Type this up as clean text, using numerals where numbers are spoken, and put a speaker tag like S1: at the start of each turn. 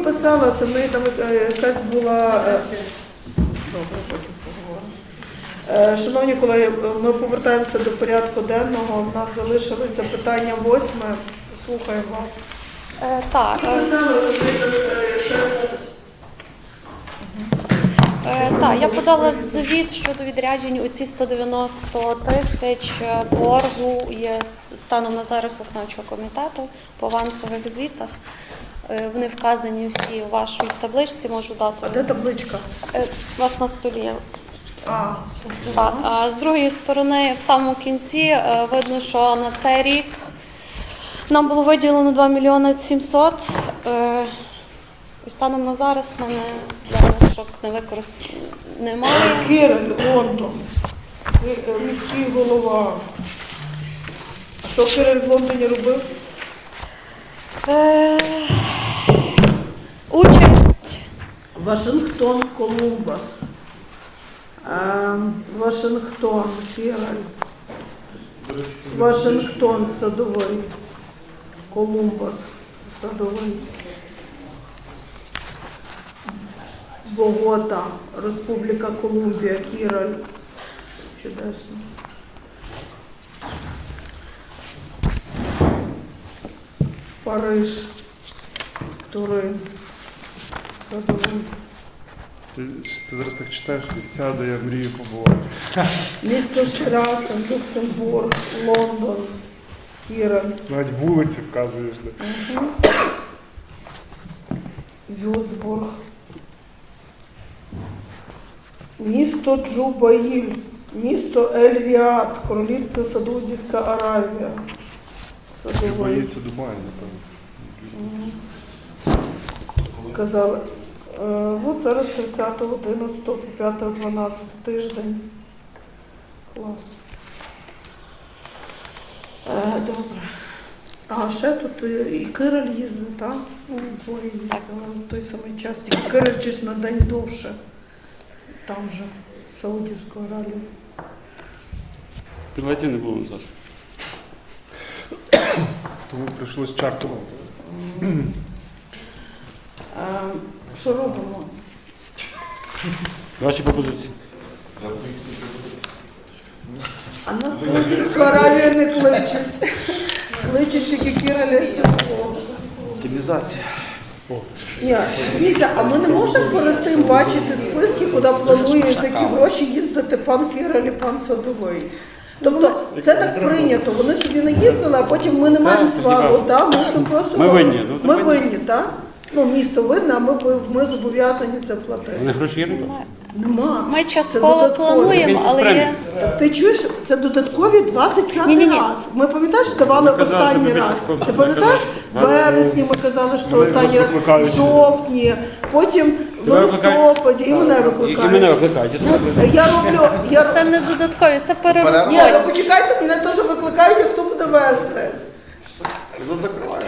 S1: писала, це в неї там якась була... Добре, потім поговоримо. Шановні колеги, ми повертаємося до порядку денного. У нас залишилося питання 8. Слухаємо вас.
S2: Так. Так, я подала звіт щодо відряджень у ці 190 тисяч боргу є станом на зараз виконавчого комітету по авансових звітах. Вони вказані всі у вашій табличці, можу дати.
S1: А де табличка?
S2: У вас на столі є. Так. А з другої сторони, в самому кінці, видно, що на цей рік нам було виділено 2 мільйони 700. І станом на зараз в мене залишок не використано немає.
S1: Кириль, Лондон, міський голова. А що Кириль в Лондоні робив?
S2: Участь.
S1: Вашингтон, Колумбас. Вашингтон, Кириль. Вашингтон, Садовий. Колумбас, Садовий. Богота, Республіка Колумбія, Кіраль. Чудесно. Париж, Турин, Садовий.
S3: Ти зараз так читаєш місця, де я мрію побувати.
S1: Місто Штрасен, Люксембург, Лондон, Кіраль.
S3: Навіть вулиці вказуєш.
S1: Вюцбург. Місто Джубаїль, місто Ель-Ріад, Королівська Саудівська Аравія.
S3: Чи боїться Дубай, напевно.
S1: Казали. От зараз 30.11 по 5.12 тиждень. Клас. Добре. А ще тут і Кириль їздив, так? Двоє їздили в той самий час. Тільки Кириль щось на день довше. Там же, Саудівську Аравію.
S4: Пілотів не було зараз.
S3: Тому прийшлось чартером.
S1: Що робимо?
S4: Ваші пропозиції.
S1: А на Саудівську Аравію не кличуть. Кличуть тільки Кираля Сідового.
S5: Оптимізація.
S1: Ні, дивіться, а ми не можемо перед тим бачити списки, куди планує за які гроші їздити пан Кириль і пан Садовий. Тобто це так прийнято, вони собі не їздили, а потім ми не маємо свалу, так?
S4: Ми винні.
S1: Ми винні, так? Ну, місто винне, а ми зобов'язані це платити.
S4: Вони гроші є?
S1: Нема.
S2: Ми
S1: Це
S2: частково
S1: додатково.
S2: плануємо, але є...
S1: Ти чуєш, це додаткові 25
S2: Ні-ні-ні.
S1: раз. Ми пам'ятаєш, давали
S4: Ми казали,
S1: останній
S4: що ми
S1: раз.
S4: більше-
S1: Ти
S4: ми
S1: пам'ятаєш, в
S4: казали,
S1: вересні ми казали, що
S3: Мене
S1: останній раз,
S3: викликають.
S1: в жовтні, потім в
S4: Тебе викликають?
S1: листопаді, і мене
S4: І мене
S1: викликають.
S4: викликають.
S1: Я роблю,
S2: Це не додаткові, це
S1: Ні,
S2: перерозподіл.
S1: ви почекайте, мене теж викликають, а хто буде вести.
S5: Ну, закриваю.